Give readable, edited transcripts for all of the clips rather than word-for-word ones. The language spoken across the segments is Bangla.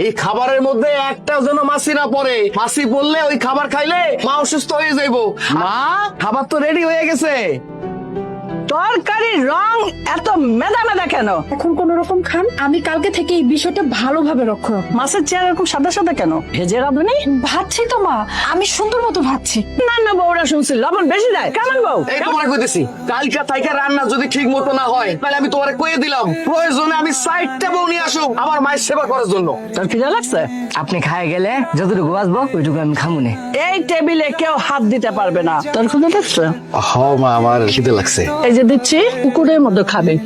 এই খাবারের মধ্যে একটা যেন মাছি না পড়ে। মাছি পড়লে ওই খাবার খাইলে মা অসুস্থ হয়ে যাইবো। মা, খাবার তো রেডি হয়ে গেছে। তরকারির রং এত মেদা মেদা কেন? এখন কোন রকম খান, আমি কালকে থেকে এই বিষয়টা ভালোভাবে লক্ষ্য রাখবো। মাছের চেয়ার এরকম সাদা সাদা কেন? ভেজে রাঁধুনি? ভাবছি তো মা, আমি সুন্দর মতো ভাবছি। না না, বউরা শুনছি লবণ বেশি দেয়। কেমন বউ? এই তোমারে কইতেছি, কালকা থাইকা রান্না যদি ঠিক মতো না হয় তাহলে আমি তোমারে কইয়ে দিলাম, প্রয়োজনে আমি 60টা বউ নিয়ে আসুক আমার মায়ের সেবা করার জন্য। তোর খিদে লাগছে? আপনি খায় গেলে যতটুকু বাঁচবো ওইটুকু আমি খামুনে। এই টেবিলে কেউ হাত দিতে পারবে না। তোর খিদে লাগছে? হ্যাঁ মা, আমার খিদে লাগছে। এই যে দিচ্ছি, কুকুরের মধ্যে খাবে।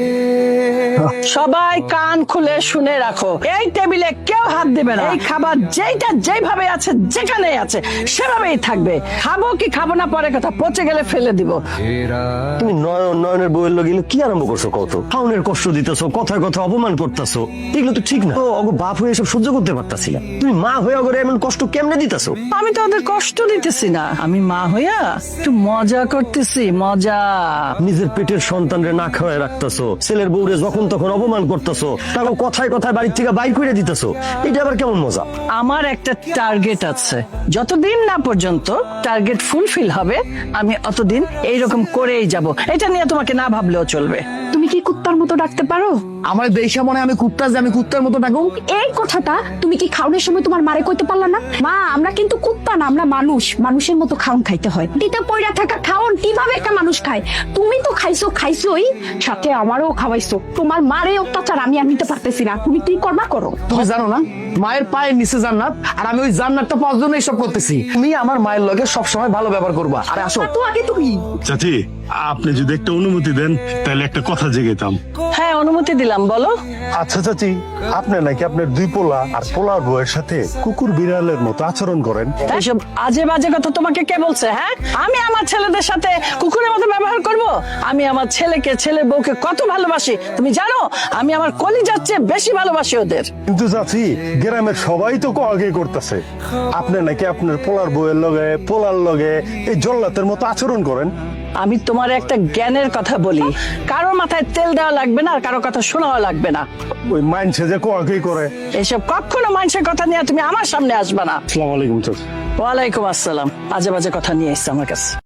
সবাই কান খুলে শুনে রাখো, এই টেবিলে কেউ হাত দিবে না। এই খাবার যেইটা যেভাবে আছে, যেখানে আছে সেভাবেই থাকবে। খাবো কি খাবো না পরে কথা, পচে গেলে ফেলে দিব। তুমি নয়নের বউয়ের লগে এগুলো কি আরম্ভ করছো? কত খাউনের কষ্ট দিতেছো, কথায় কথা অপমান করতেছো, এগুলো তো ঠিক না। ও অগো বাপ হয়ে এসব সহ্য করতে পারতাছি না। তুমি মা হয়ে করে এমন কষ্ট কেমনে দিতেছো? আমি তো ওদের কষ্ট দিতেছি না, আমি মা হইয়া একটু মজা করতেছি, মজা। নিজের পেটের সন্তানরে না খাওয়ায় রাখতেছো, ছেলের বউরে যখন তখন অপমান করতেছো, তাকে কথায় কথায় বাড়ির থেকে বাইর করে দিতেছো, এটা আবার কেমন মজা? আমার একটা টার্গেট আছে, যতদিন না পর্যন্ত টার্গেট ফুলফিল হবে আমি অতদিন এইরকম করেই যাব। এটা নিয়ে তোমাকে না ভাবলেও চলবে। তুমি কি কুত্তার মতো ডাকতে পারো? আমার দেশা মনে হয় আমি কুত্তা, যে আমি কুত্তার মতো ডাকুম। এই কথাটা তুমি কি খাওনের সময় তোমার মারে কইতে পারলা না? মা, আমরা কিন্তু কুত্তা না, আমরা মানুষ, মানুষের মতো খাওন খাইতে হয়। দিতে পয়রা থাকা খাওন কিভাবে একটা মানুষ খায়? তুমি তো খাইছোই, সাথে আমারও খাওয়াইছো। তোমার মারে অত্যাচার আমি আর নিতে পারতেছি না, তুমি কি করবা করো। তুমি জানো না, মায়ের পায়ের নিচে জান্নাত, আর আমি ওই জান্নাতটা পাওয়ার জন্য এইসব করতেছি। তুমি আমার মায়ের লগে সবসময় ভালো ব্যবহার করবা। আরে আসো। তো আগে তুমি চাচি, আপনি যদি একটা অনুমতি দেন তাহলে একটা কথা জেগেতাম। হ্যাঁ, অনুমতি দিলাম, বলো। আচ্ছা চাচি, আপনি নাকি আপনার দুই পোলা আর পোলার বউয়ের সাথে কুকুর বিড়ালের মতো আচরণ করেন। এইসব আজে বাজে কথা তোমাকে কে বলছে? হ্যাঁ, আমি আমার ছেলেদের সাথে কুকুরের মতো ব্যবহার করব? আমি আমার ছেলেকে, ছেলের বউকে কত ভালোবাসি তুমি জানো? আমি আমার কলিজার চেয়ে বেশি ভালোবাসি ওদের। কিন্তু চাচি, গ্রামের সবাই তো আগে করতেছে আপনি নাকি আপনার পোলার বউয়ের লগে, পোলার লগে এই জল্লাতের মতো আচরণ করেন। আমি তোমার একটা জ্ঞানের কথা বলি, কারো মাথায় তেল দেওয়া লাগবে না আর কারো কথা শোনাও লাগবে না। ওই মাইনসে যে আগেই করে। এসব কখনো মানুষের কথা নিয়ে তুমি আমার সামনে আসবে না। আসসালামু আলাইকুম চাচি। ওয়ালাইকুম আসসালাম। আজে বাজে কথা নিয়ে এসছে আমার কাছে।